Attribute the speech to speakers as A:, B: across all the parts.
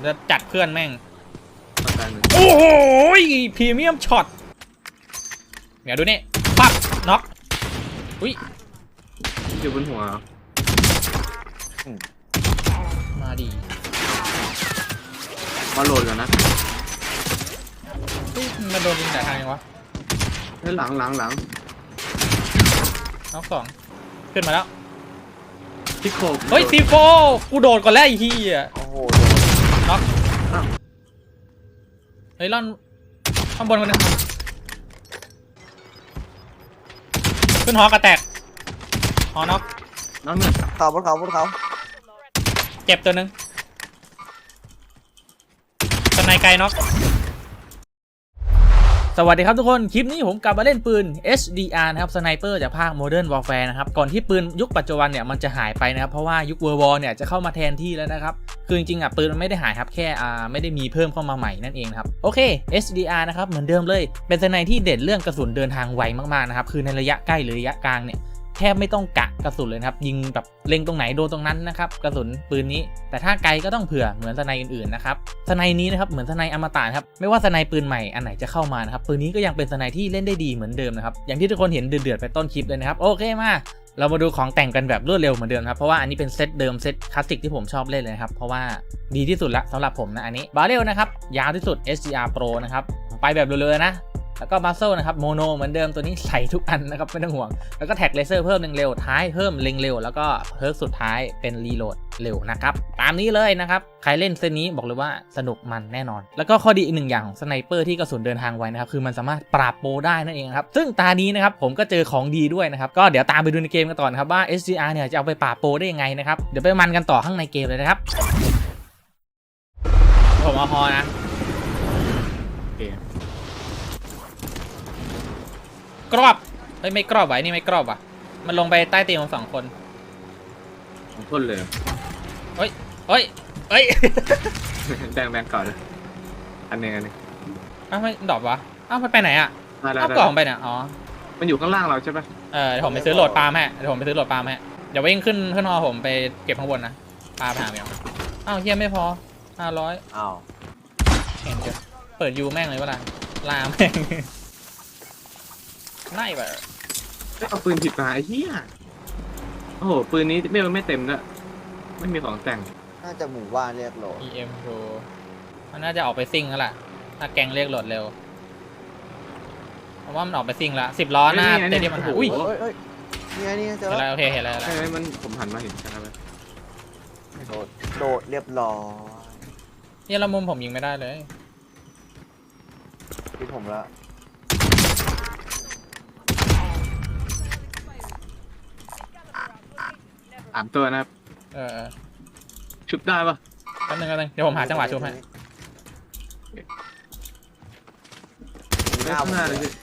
A: จะจัดเพื่อนแม่ง
B: ประกันหนึ่ง
A: โอ้โหพรีเมียมช็อตเดี๋ยวดูนี่ปั๊บน็อกอุ้ย
B: อยู่บนหัว
A: มาดี
B: มาโหลดก่อนนะ
A: มันโดนยิงแต่ทางยังวะ
B: หลัง
A: น็อกสองขึ้นมาแล้ว
B: ที่โคบ
A: เฮ้ยซีโฟกูโดดก่อนแล้วไอ้เหี้ย
C: โอ้โห
A: น็อกเฮ้ยล่อนข้างบนคนนึงขึ้นหอกระแตกหอน็อก
B: น้องหนึ่ง
C: เขาบนเขา
A: เจ็บตัวนึงสไนไกลน็อกสวัสดีครับทุกคนคลิปนี้ผมกลับมาเล่นปืน HDR นะครับสไนเปอร์จากภาค Modern Warfare นะครับก่อนที่ปืนยุคปัจจุบันเนี่ยมันจะหายไปนะครับเพราะว่ายุค World War เนี่ยจะเข้ามาแทนที่แล้วนะครับคือจริงๆปืนมันไม่ได้หายครับแค่ไม่ได้มีเพิ่มเข้ามาใหม่นั่นเองครับโอเค HDR นะครับเหมือนเดิมเลยเป็นสไนที่เด่นเรื่องกระสุนเดินทางไวมากๆนะครับคือในระยะใกล้หรือระยะกลางเนี่ยแทบไม่ต้องกะกระสุนเลยครับยิงแบบเล็งตรงไหนโดนตรงนั้นนะครับกระสุนปืนนี้แต่ถ้าไกลก็ต้องเผื่อเหมือนสไนอื่นๆนะครับสไนนี้นะครับเหมือนสไนอมตะครับไม่ว่าสไนปืนใหม่อันไหนจะเข้ามานะครับปืนนี้ก็ยังเป็นสไนที่เล่นได้ดีเหมือนเดิมนะครับอย่างที่ทุกคนเห็นเดือดๆไปต้นคลิปเลยนะครับโอเคมาเรามาดูของแต่งกันแบบรวดเร็วเหมือนเดิมครับเพราะว่าอันนี้เป็นเซตเดิมเซตคลาสสิกที่ผมชอบเล่นเลยครับเพราะว่าดีที่สุดละสำหรับผมนะอันนี้บาเรลนะครับยาวที่สุด SGR Pro นะครับไปแบบเร็วๆนะแล้วก็บัสเซิลนะครับโมโนเหมือนเดิมตัวนี้ใส่ทุกอันนะครับไม่ต้องห่วงแล้วก็แท็กเลเซอร์เพิ่มเร็วท้ายเพิ่มเล็งเร็วแล้วก็เพิร์กสุดท้ายเป็นรีโหลดเร็วนะครับตามนี้เลยนะครับใครเล่นเซตนี้บอกเลยว่าสนุกมันแน่นอนแล้วก็ข้อดีอีกหนึ่งอย่างของสไนเปอร์ที่กระสุนเดินทางไวนะครับคือมันสามารถปราบโปรได้นั่นเองครับซึ่งตานี้นะครับผมก็เจอของดีด้วยนะครับก็เดี๋ยวตามไปดูในเกมกันต่อนะครับว่า SGR เนี่ยจะเอาไปปราบโปรได้ยังไงนะครับเดี๋ยวไปมันกันต่อข้างในเกมเลยนะครับผมเอาฮอนะกรอบไม่กรอบไว้นี่ไม่กรอบว่ะมันลงไปใต้ตีนของ2 คน
B: ของพ่นเลย
A: เฮ้ย
B: แบงก่อนเลยอันหนึ่ง
A: อ้าวไม่ดรอปวะอ้าวมันไปไหนอ่ะ
B: ได้
A: อ้าวกล่องไปเนี่ยอ๋อ
B: มันอยู่ข้างล่างเราใช่ปะ
A: เดี๋ยวผมไปซื้อโหลดปาล์มให้เดี๋ยววิ่งขึ้นฮอผมไปเก็บข้างบนนะปาล์มหาเมียวอ้าวเฮียไม่พอ500
C: อ้าว
A: เห็นเดี๋ยวเปิดยูแม่งเลยวะล่ะลาแม่งไล่แบบ
B: เอาปืนผิดมาไอ้เหี้ยโอ้โหปืนนี้ไม่เต็มด้วยไม่มีของแต่ง
C: น่าจะหมู่บ้านเรียกโหลด
A: EM Pro มันน่าจะออกไปซิ่งแล้วล่ะถ้าแกงเรียกโหลดเร็วเพราะว่ามันออกไปซิ่งแล้ว10 ล้อหน้าเตะที่มันหาอุ้ย
C: เฮ้ยนี่เจอ
A: เห็น
C: แล้
A: แล้ว วโอเคเห็นแล้ว
B: ใช่ไหมมันผมหันมาเห็นใช่ไหม
C: โดดเรียบร้อย
A: เนี่ยละมุมผมยิงไม่ได้เลย
C: ที่ผมแล้ว
B: 3 ตัวนะครับชุบได้ปะ
A: แป๊บนึงเดี๋ยวผมหาจังหวะชุบให้
B: ข้างหน้าเลยสิ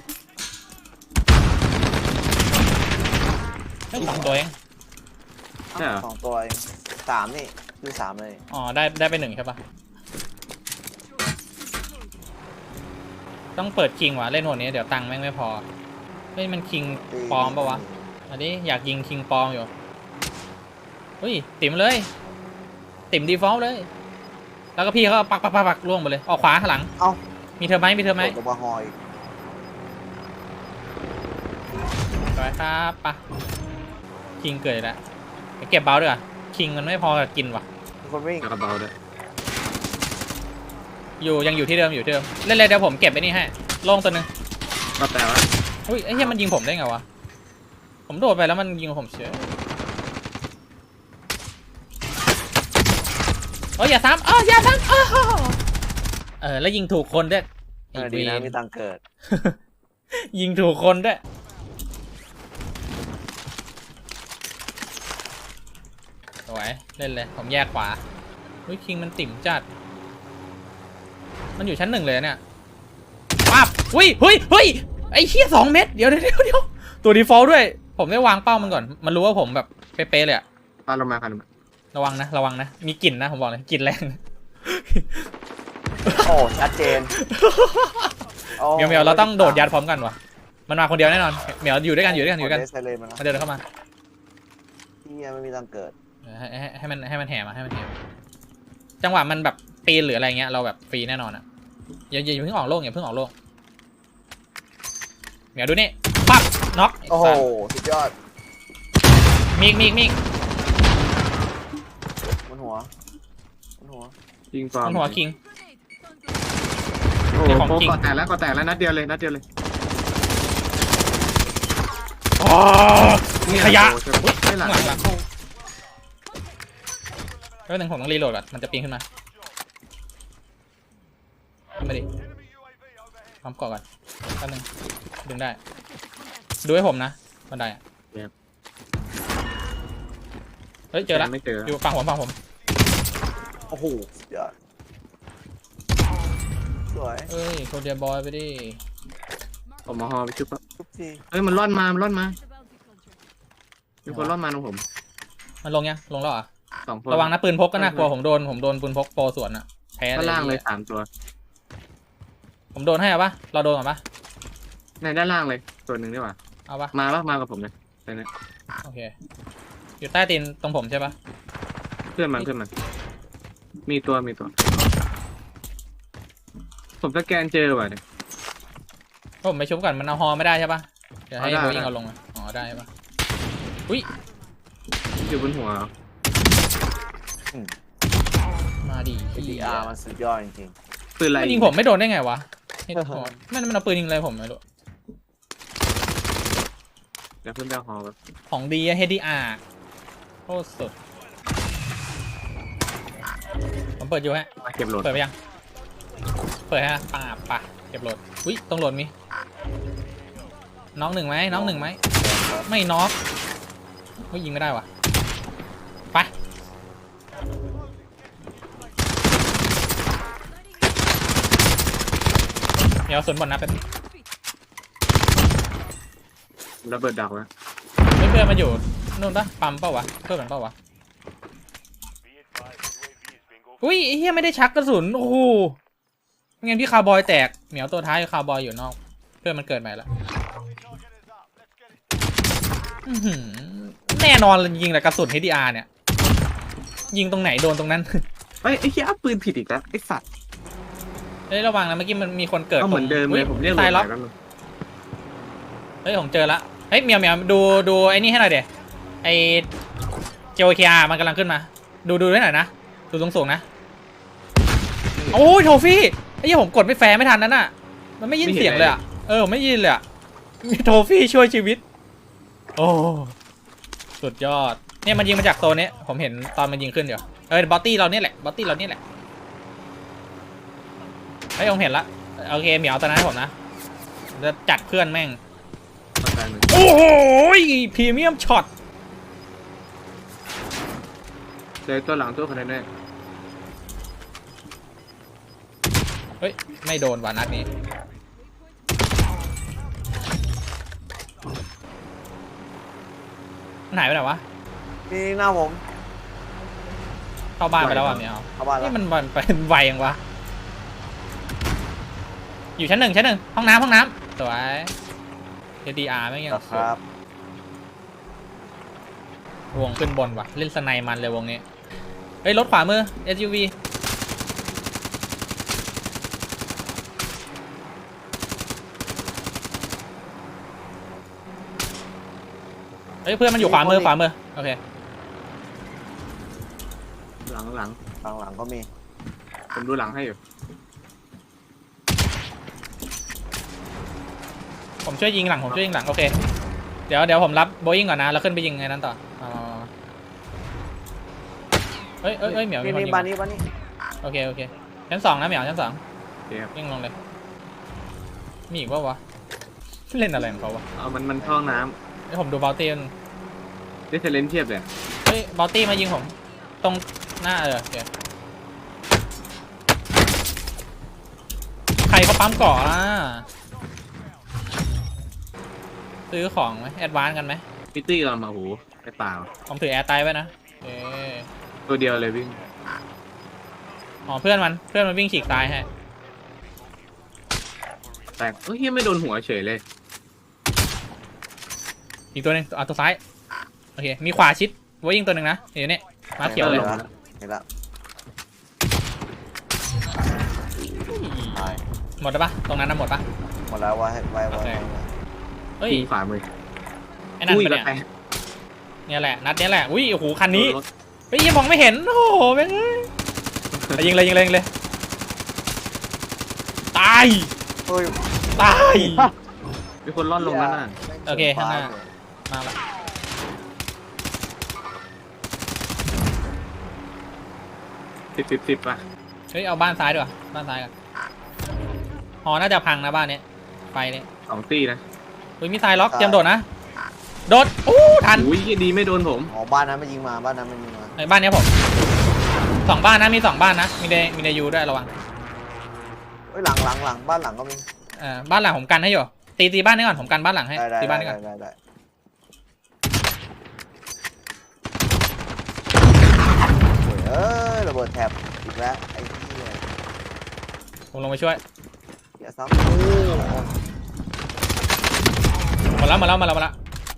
A: 2 ตัวเอง
B: ใช่เหรอ
C: 2 ตัวเอง3นี่คือ3เลย
A: อ๋อได้ไป1ใช่ปะต้องเปิดคิงว่ะเล่นหัวนี้เดี๋ยวตังค์แม่งไม่พอเฮ้ยมันคิงปลอมปะวะอันนี้อยากยิงคิงปลอมอยู่เฮ้ยติ่มเลยติ่มดีฟอลต์เลยแล้วก็พี่เขาปักล่วงไปเลยออกขวาข้างหลัง
C: เอ้า
A: มีเธอไหม
C: โดดลงมาหอย
A: สวยครับปะคิงเกิดแล้วเก็บเบลด้วยคิงมันไม่พอกินว่ะ
C: คนวิ่ง
B: กระเบาด้วย
A: ยังอยู่ที่เดิมเล่นเลยเดี๋ยวผมเก็บไปนี่ให้โล่งตัวนึง
B: ก็แต่ว่า
A: อุ้ยไอ้เหี้ยมันยิงผมได้ไงวะผมโดดไปแล้วมันยิงผมเฉยอย่าซ้ำอย่าซ้ำแล้วยิงถูกคนด้วย
C: ดีนะมีตังเกิด
A: ยิงถูกคนด้วยสวยเล่นเลยผมแยกขวาอุ้ยคิงมันติ่มจัดมันอยู่ชั้น 1เลยเนี่ยปั๊บอุ้ยไอ้เหี้ย2 เม็ดเดี๋ยวตัวดีฟอลต์ด้วยผมได้วางเป้ามันก่อนมันรู้ว่าผมแบบเป๊ะๆเลยอะ
B: ปาลงมากัน
A: ระวังนะมีกลิ่นนะผมบอกเลยกลิ่นแรง
C: โอ้ชัดเจน
A: เหมียวเราต้องโดดยัดพร้อมกันวะมันมาคนเดียวแน่นอนเหมียวอยู่ด้วยกันมาเดินเข้ามา
C: ที่ไม่มีตังเกิด
A: ให้มันแห่มาจังหวะมันแบบปีนหรืออะไรเงี้ยเราแบบฟรีแน่นอนอะอย่าเพิ่งออกโล่งอย่าเพิ่งออกโล่งเดี๋ยวดูนี่ปั๊บน็อก
C: โอ้โหสุดยอด
A: มีอีก
C: บนหัวบนหัว
B: ยิงฟอร์
A: มันหัวคิง
B: โอ้
A: เดี๋ยว
B: โห
A: ของ
B: โป๊ะ
A: จริง
B: ก่อแตกแล้วนัดเดียวเลย
A: อ๋อขยะ
B: โอ้โหไม่หลัง
A: หลังแล้วหนึ่งผมต้องรีโหลดก่อนมันจะปีนขึ้นมาขึ้นมาดิพร้อมเกาะก่อนแป๊บนึงดึงได้ดูให้ผมนะบันไดอะเฮ้ยเจอละ
B: ไม่เจอ
A: อยู่ฝั่งผม
C: โอ้โหสุดยอดสวย
A: เอ้ยโคเดียบอยไปดิ
B: ผมมาฮอไปชุบ
C: ทุกที
B: เฮ้ยมันร่อนมามีคนร่อนมาตรงผม
A: มันลงยังลงแล้วเหรอ่ะ
B: 2 คน
A: ระวังนะปืนพกก็น่ากลัวผมโดนปืนพกโปรสวนอะแพ้
B: ด้านล่างเลย
A: ย
B: 3 ตัว
A: ผมโดนให้อะปะเราโดนก่อนปะ
B: ในด้านล่างเลยตัวหนึ่งดีกว่า
A: เอาปะ
B: มากับผมเลยไปเนี่ย
A: โอเคอยู่ใต้ตีนตรงผมใช่ปะ
B: ขึ้นมันมีตัวผมสแกนเจอว่ะเนี่ย
A: ผมไปชุบก่อนมันเอาฮอไม่ได้ใช่ปะเดี๋ยวให้
B: เอาได้
A: โบยิงเอาลงอะอ๋อได้ปะอุ้ย
B: อยู่บนหัว
A: มาดิ
C: ดีอาร์มันสุดยอดจริง
B: ปืนอะไร
A: มันยิงผมไม่โดนได้ไงวะเฮ้ยมันเอาปืนยิงอะไรผมไม่รู้
B: เดี๋ยวขึ้นไปเอาฮอแบบ
A: ของดีอะ HDR โคตรสุดผมเปิดอยู่ฮะ
B: มาเก็บโหลด
A: เปิดไปยังเปิดฮะป่าเก็บโหลดอุ้ยต้องโหลดมีน้องหนึ่งไหมไม่น็อกไม่ยิงไม่ได้วะไปเดี๋ยวสวนบอลนะเป็น
B: ระเบิดดักแล้ว
A: เพื่อนมาอยู่นู่นปะปั๊มเปล่าวะเพื่อนมันเปล่าวะอุ้ยไอ้เหี้ยไม่ได้ชักกระสุนโอ้โหไม่งั้นพี่คาร์บอยแตกเหมียวตัวท้ายคาร์บอยอยู่นอกเพื่อนมันเกิดใหม่แล้วอื้อหือแน่นอนเลยยิงแต่กระสุน HDR เนี่ยยิงตรงไหนโดนตรงนั้น
B: เฮ้ยไอ้เหี้ยเอาปืนผิดอีกแล้วไอ้สัตว์
A: เฮ้ยระวังนะเมื่อกี้มันมีคนเกิด
B: ก็เหมือนเดิมเลยผมเรียกโหล
A: ตาย
B: ด
A: ล็อก
B: แล้วมึง
A: เฮ้ยผมเจอละเฮ้ยเหมียวดูไอ้นี่ให้หน่อยเดี๋ยวไอ้เจโอเคอาร์มันกำลังขึ้นมาดูให้หน่อยนะดูสูงๆนะโอ้ยโทฟี่ไอ้เหี้ยผมกดไม่แฟร์ไม่ทันนั่นน่ะมันไม่ยินเสียงเลยอ่ะผมไม่ยินเลยอ่ะมีโทฟี่ช่วยชีวิตโอ้สุดยอดเนี่ยมันยิงมาจากโซนนี้ผมเห็นตอนมันยิงขึ้นเดี๋ยวบอตตี้เราเนี่ยแหละเฮ้ยผมเห็นละโอเคเหมียวตอนนั้นให้ผมนะจะจัดเพื่อนแม่ง
B: เอาตายหนึ่ง
A: โอ้โหพรีเมียมช็อต
B: เจอตัวหลังตัวคนนั้นแน่
A: เฮ้ยไม่โดนว่ะนัดนี้มันหายไปไหนวะ
C: มีหน้าผม
A: เข้าบ้านไปแล้วอ่ะเมียว
C: เข้าบ้านแล้ว
A: นี่มันเป็นไวยังวะอยู่ชั้นหนึ่งห้องน้ำสวย HDR ไม่ยัง
C: ครับ
A: วงขึ้นบนว่ะเล่นสไนมันเลยวงนี้เฮ้ยรถขวามือ SUV เฮ้ยเพื่อนมันอยู่ขวามือโอเค
B: หลัง
C: หลังก็มี
B: ผมดูหลังให้อยู่
A: ผมช่วยยิงหลังโอเคเดี๋ยวผมรับโบยิงก่อนนะแล้วขึ้นไปยิงไงนั้นต่อเฮ้ยเหมียวมีคนยิง
C: บ้านนี้
A: โอเคชั้น 2นะเหมียวชั้น 2
B: เดี๋ยว
A: วิ่งลงเลยมีอีกวะเล่นอะไรของเขาวะ
B: เอามันท่อน้
A: เดี๋ยวผมดูบอลตี้
B: ำได้เทเลนเทียบเลย
A: เฮ้ยบอลตี้มายิงผมตรงหน้าโอเคใครเขาปั๊มเกาะอ่ะซื้อของไหมแอดวานซ์กันไหม
B: พิตตี้เรามาโหไอ้เปล่า
A: ผมถือแอร์ไตไว้นะ
B: ตัวเดียวเลยวิ่ง
A: อ๋อเพื่อนมันวิ่งฉีกตายให้
B: แต่เฮ้ยไม่โดนหัวเฉยเลย
A: อีกตัวหนึงตัวซ้ายโอเคมีขวาชิดไว้ยิงตัวหนึ่งนะเดี๋ยวนี้มาเขียวเลย
C: เห็นแล้ว
A: หมดแล้วปะตรงนั้นน่ะหมดปะ
C: หมดแล้วไว้
A: โอเค เฮ้ย
B: ยิงขวามือ
A: ไอ้นั่น
B: อุ้ย
A: ปะ
B: แล้ว
A: เนี่ย
B: แตก
A: เนี่ยแหละนัดเนี้ยแหละอุ้ยโอ้โหคันนี้
B: รถ
A: เฮ้ยยังมองไม่เห็นโอ้โหแม่งเอ้ยเอายิงเลยยิงเลยยิงเลยตาย
C: เฮ้ย
A: ตาย
B: มีคนร่อนลงแล้วน่ะ
A: โอเคข้างหน้า มาละ
B: 10ป่ะ
A: เฮ้ยเอาบ้านซ้ายดีกว่าบ้านซ้ายกันหอน่าจะพังนะบ้านเนี้ยไฟเนี่ย
B: 2 ตีนะ
A: เฮ้ยมีทรายล็อกเตรียมโดดนะโดดอู้ทัน
B: อุ้ยดีไม่โดนผม
C: อ๋อบ้านนั้นมันยิงมาบ้านนั้นมันยิงมา
A: ไอ้บ้านเนี้ยผม2 บ้านนะมี2 บ้านนะมีเดยูด้วยระวัง
C: เฮ้ยหลังบ้านหลังก็มี
A: บ้านหลังผมกันให้อยู่ตีบ้านนี้ก่อนผมกันบ้านหลังให้
C: ได้
A: ตีบ้านนี้ก่อน
C: ได้เอ้ยระเบิดแถบอีกแล้วไอ้ที่
A: ผมลงไปช่วย
C: อย่าซ้ำโอ้
A: หมดแล้ว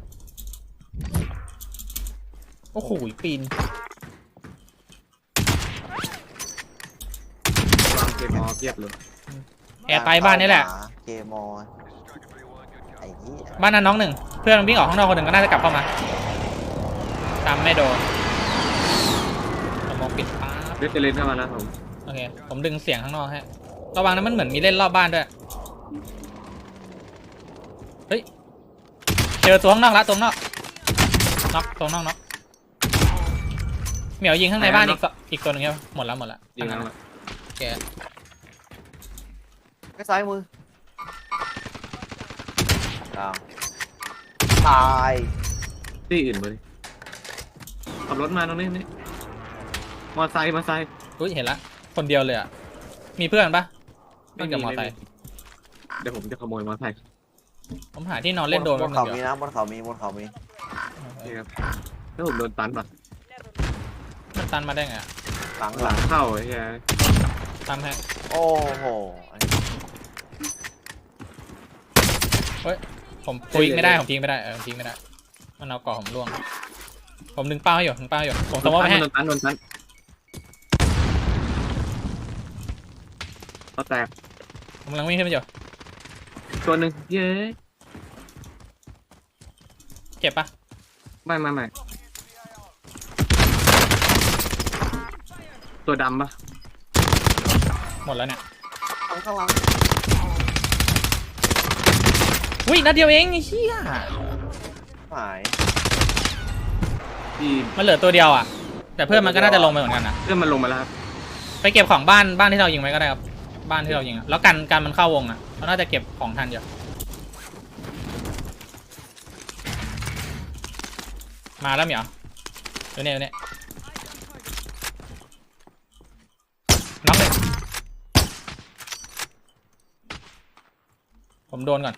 A: โอ้โหปีน
B: วางเกมมอเทียบเลย
A: แอร์ไตบ้านนี้แหละ
C: เกมอไอ้ที่
A: บ้านนั้นน้องหนึ่งเพื่อนมันวิ่งออกข้างนอกคนหนึ่งก็น่าจะกลับเข้ามาตามไม่โดนผมมองปิดป๊าบ
B: เลือดจะเล่นเข้ามาแล้วผม
A: โอเคผมดึงเสียงข้างนอกให้ระวังนะมันเหมือนมีเล่นรอบบ้านด้วยเฮ้ยเจอตัวข้างนอกละตัวข้างนอกน็อกตัวข้างนอกน็อกเหมียวยิงข้างในบ้านอีกตัวหนึ่งใช่ไหมหมดแล้ว
B: ยิงแล้วอะ
A: โอเค
C: ไอ้ซ้ายมืออ้าวตาย
B: ที่อื่นเลยขับรถมาตรงนี้นี่มอไซค์
A: อุ้ยเห็นละคนเดียวเลยอ่ะมีเพื่อนปะเพื่อนกับมอไซค์
B: เดี๋ยวผมจะขโมยมอไซค์
A: ผมหาที่นอนเล่นโดน
C: บ
A: แป๊บ
C: น
A: นึ
C: เขา
A: ง
C: มี
A: เดี๋ยว
C: นะบนเขามี
B: นี่ครับแล้วผมโดนตันป่ะ
A: มันตันมาได้ไงอะ
C: หลัง
B: หลังเข้าไอ้เหี้ย
A: ตันให้
C: โอ้โห
A: ผมทิ้งไม่ได้ผมทิ้งไม่ได้ทิ้งไม่ได้มันเอาเกาะผมล่วงผมดึงเป้าให้อยู่ผมสมมติไม่ให้
B: โดนตันก็แตก
A: ผมกำลังวิ่งขึ้นไปอยู่
B: ตัวหนึ่งเย้
A: เจ็บปะ
B: ไม่ตัวดำปะ
A: หมดแล้วเนี่ย
C: ข้างหลัง
A: อุ้ยนัดเดียวเองไอ้เหี้ย
C: หาย
B: ที่
A: มันเหลือตัวเดียวอ่ะแต่เพื่อนมันก็น่าจะลงไปเหมือนกันนะ
B: เพื่อนมันลงมาแล้วครับ
A: ไปเก็บของบ้านที่เรายิงไว้ก็ได้ครับบ้านที่เรายิงอะแล้วกันมันเข้าวงอ่ะเราน่าจะเก็บของทันอยู่มาแล้วเหมียวเดี๋ยวเนี่ยน็อกเลยผมโดนก่อน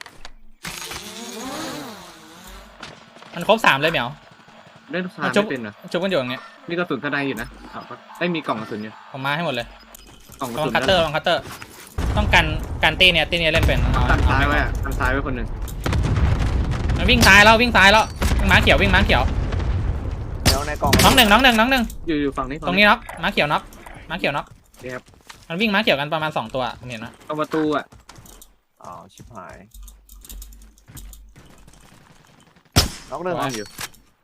A: มันครบ3เลยเหมียว
B: เล่นคาไม่เป็นเหรอ
A: ชุบกันอยู่อย่างเงี้ย
B: มีกระสุนกระไดอยู่นะได้มีกล่องกระสุนอยู่
A: ผมมาให้หมดเลย
B: กล่องกระ
A: ลอ
B: สุ
A: ง
B: น
A: คัตเตอร์ต้องกันตีเนี่ยเล่นเป็น
B: ตัดซ้ายไว้อะตัดซ้ายไว้คนหนึ่ง
A: มันวิ่งซ้ายแล้ววิ่งม้าเขียววิ่งม้าเขียว
C: เดี๋ยวในกล่อง
A: น้องหนึ่ง
B: อยู่ฝั่งนี้
A: ตรงนี้น็อกม้าเขียวน็อก
B: นี่ครับ
A: มันวิ่งม้าเขียวกันประมาณ2 ตัวผมเห็นนะ
B: ตรงประตูอ่ะ
C: อ้าวชิบหายน็อกหนึ่ง
B: ว่างอยู่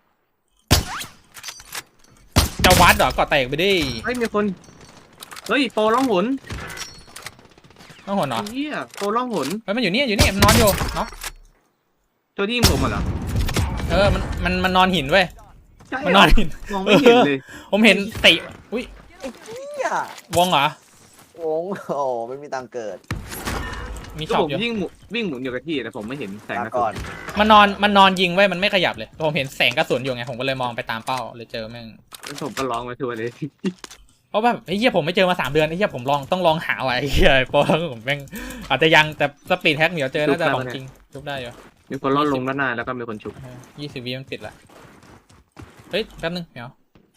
A: จะวัดเหรอก่อแตกไปดิ
B: เฮ้ยมีคนเฮ้ยโปรล่องหน
A: ต้องหัวเนาะ
B: เฮียโปรล่องหน
A: เฮ้ยมันอยู่นี่มันนอนอยู่เนาะ
B: ตัวที่ยิงผมเหรอ
A: มันนอนหินเว้ย
B: ใช่
A: มันนอนหิน
B: มองไม่เห็นเลย
A: ผมเห็นติอุ้ย
C: เฮียว
A: งเหรอ
C: โอ้โหไม่มีตังค์เกิด
A: มี
B: ก็
A: ช็อ
B: ผ
A: ป
B: ม
A: อยู่
B: วิ่งหมุนอยู่กับที่แต่ผมไม่เห็นแสง
C: ลาก
B: ระสุ
C: ก่อน น
A: มันนอนยิงไว้มันไม่ขยับเลยผมเห็นแสงกระสุนอยู่ไงผมก็เลยมองไปตามเป้าเลยเจอแม่ง
B: แล้วผมก็ร้องมาทัวร์เลย
A: เพราะแบบไอ้เหี้ยผมไม่เจอมา3 เดือนไอ้เหี้ยผมต้องลองหาไว้ไอ้เหี้ยเพราะผมแม่งอาจจะยังแต่สปีดแฮกเหมียวเจอน่าจะของจริงทุบได้อยู่
B: มีคนล่อนลงด้านหน้าแล้วก็มีคนฉุก
A: 20 วิมันปิดละเฮ้ยแป๊บนึงเหมียว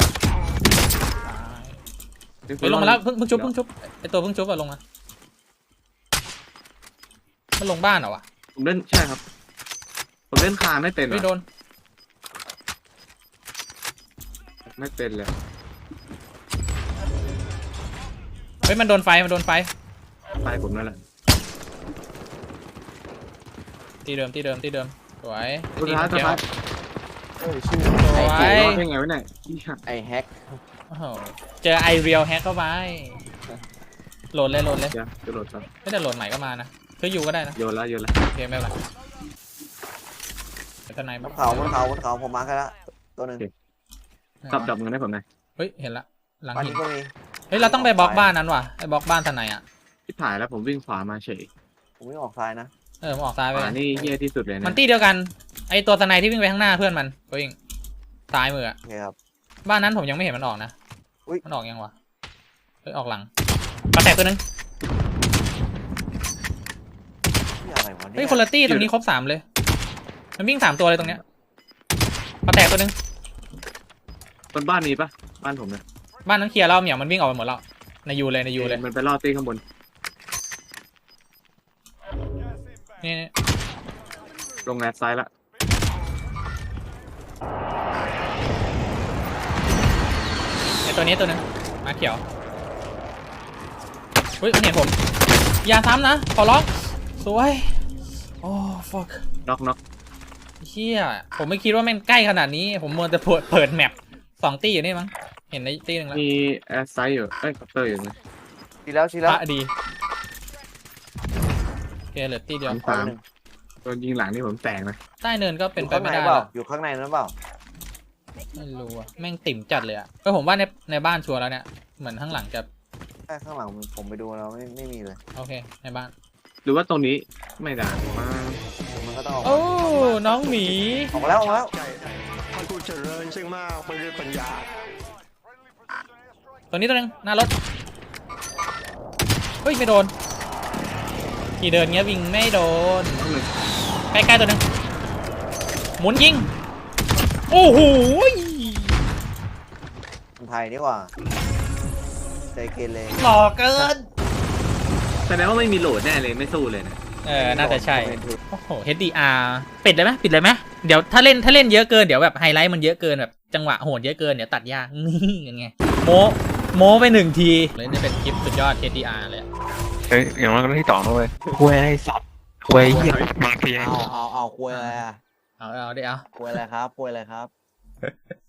A: เฮ้ยลงมาแล้วเพิ่งชุบไอตัวเพิ่งชุบอะลงมามันลงบ้านเหรอวะ
B: ผมเล่นใช่ครับ ผมเล่นคาไม่เป็น
A: ไม่โดน
B: ไม่เป็นเลย
A: เฮ้ยมันโดนไฟ
B: ไปผมนั่นแหละ
A: ที่เดิมสวย
B: สุดท้ายสุดท้าย
C: เฮ้ยชื่อ
A: สวย
B: รอดได้ไงวะเนี่ยอีห่า
C: ไอแฮก
A: โอ้โหเจอไอเรียลแฮกเข้าไปโหลดเลย
B: เดี๋ยวจะโหลดก่อน
A: ไม่แต่โหลดใหม่ก็มานะคืออยู่ก็ได้นะ
B: โยนแล้ว
A: โอเคไม่เป็นไรเป็นทนาย
C: บ
A: บ้าง
C: นเขาผมมาร์คให้ละตัวหนึ่ง
B: ดับเงินให้ผมหน่อย
A: เฮ้ยเห็นละหลัง
C: บ้าน
A: หิน
C: นี้ก็มี
A: เฮ้ยเราต้องไปบล็อกบ้านนั้นว่ะไอ้บล็อกบ้านทนายอ่ะ
B: ที่ถ่ายแล้วผมวิ่งขวามาเฉย
C: ผมไม่ออกซ้ายนะ
A: มันออกซ้าย
B: ข
A: ไป
B: วานี่เฮี้ยที่สุดเลยนะ
A: มันตีเดียวกันไอ้ตัวทนายที่วิ่งไปข้างหน้าเพื่อนมันก็วิ่งซ้ายมืออะ
C: โอเคครับ
A: บ้านนั้นผมยังไม่เห็นมันออกนะ
C: อุ๊ย
A: มันออกยังวะเฮ้ยออกหลังปลาแตกตัวนึง
C: นี่อะไรวะเนี่
A: เฮ้ย
C: ย
A: คนละตี้ตรงนี้ครบ3เลยมันวิ่ง3ตัวเลยตรงเนี้ยปลาแตกตัวนึง
B: บนบ้านมีปะบ้านผมนะ
A: บ้านนั้นเคลียร์แล้วเหมียวมันวิ่งออกไปหมดแล้วในยูเลย
B: มันไปล่อตีข้างบน
A: นี่
B: ลงแรดซ้ายละ
A: ไอ้ตัวนี้ตัวนึงมาเขียวเฮ้ยมันเห็นผมอย่าซ้ำนะขอร้องสวยโอ้ fuck
B: น็อก
A: เชี่ยผมไม่คิดว่าแม่งใกล้ขนาดนี้ผมมัวแต่เปิดแมป2ตี้อยู่นี่มั้งเห็นในตี้หนึ่งแล้ว
B: มีแอร์ไซด์อยู่คัพเตอร์อยู่นะ
C: ชี้แล้ว
A: พระดีโอเคเหลือตี้เดียว
B: สามโดนยิงหลังนี่ผมแตกนะ
A: ใต้เนินก็เป็นไปไม่ได้
C: เปล่า
A: แล้ว
C: อยู่ข้างในนั้นเปล่า
A: ไม่รู้อะแม่งติ่มจัดเลยอะก็ผมว่าในบ้านชัวร์แล้วเนี่ยเหมือนข้างหลังจะ
C: ใช่ข้างหลังผมไปดูแล้วไม่มีเลย
A: โอเคในบ้าน
B: หรือว่าตรงนี้ไม่ได้มา
C: มันก็ต้องออก
A: โอ้น้องหมี
C: ออกมาแล้ว
D: ท่านผู้เจริญซึ่งมากไปด้วยปัญญา
A: ตัวนี้ตัวนึงหน้ารถเฮ้ยไม่โดนขี่เดินเงี้ยวิ่งไม่โดน
B: ต้องหนึ่ง
A: ใกล้ๆตัวนึงหมุนยิงโอ้โห
C: คนไทยดีกว่าใจเกเร
A: หล่อเกิน
B: แสดงว่าไม่มีโหลดแน่เลยไม่สู้เลยนะ
A: น่าจะใช่โอ้โห HDR ปิดเลยไหมเดี๋ยวถ้าเล่นเยอะเกินเดี๋ยวแบบไฮไลท์มันเยอะเกินแบบจังหวะโหดเยอะเกินเดี๋ยวตัดยากนี่ยังไงโมไป1 ทีเลยนี่เป็นคลิปสุดยอด HDR เลยอะ
E: เฮ้ยอย่างนั้นก็ที่2ด้วยคุยไอ้สัตว์คุยเหี้ยบางที
C: เอาคุยอะไรอ่ะ
A: เอาได้เอา
C: คุยอะไรครับ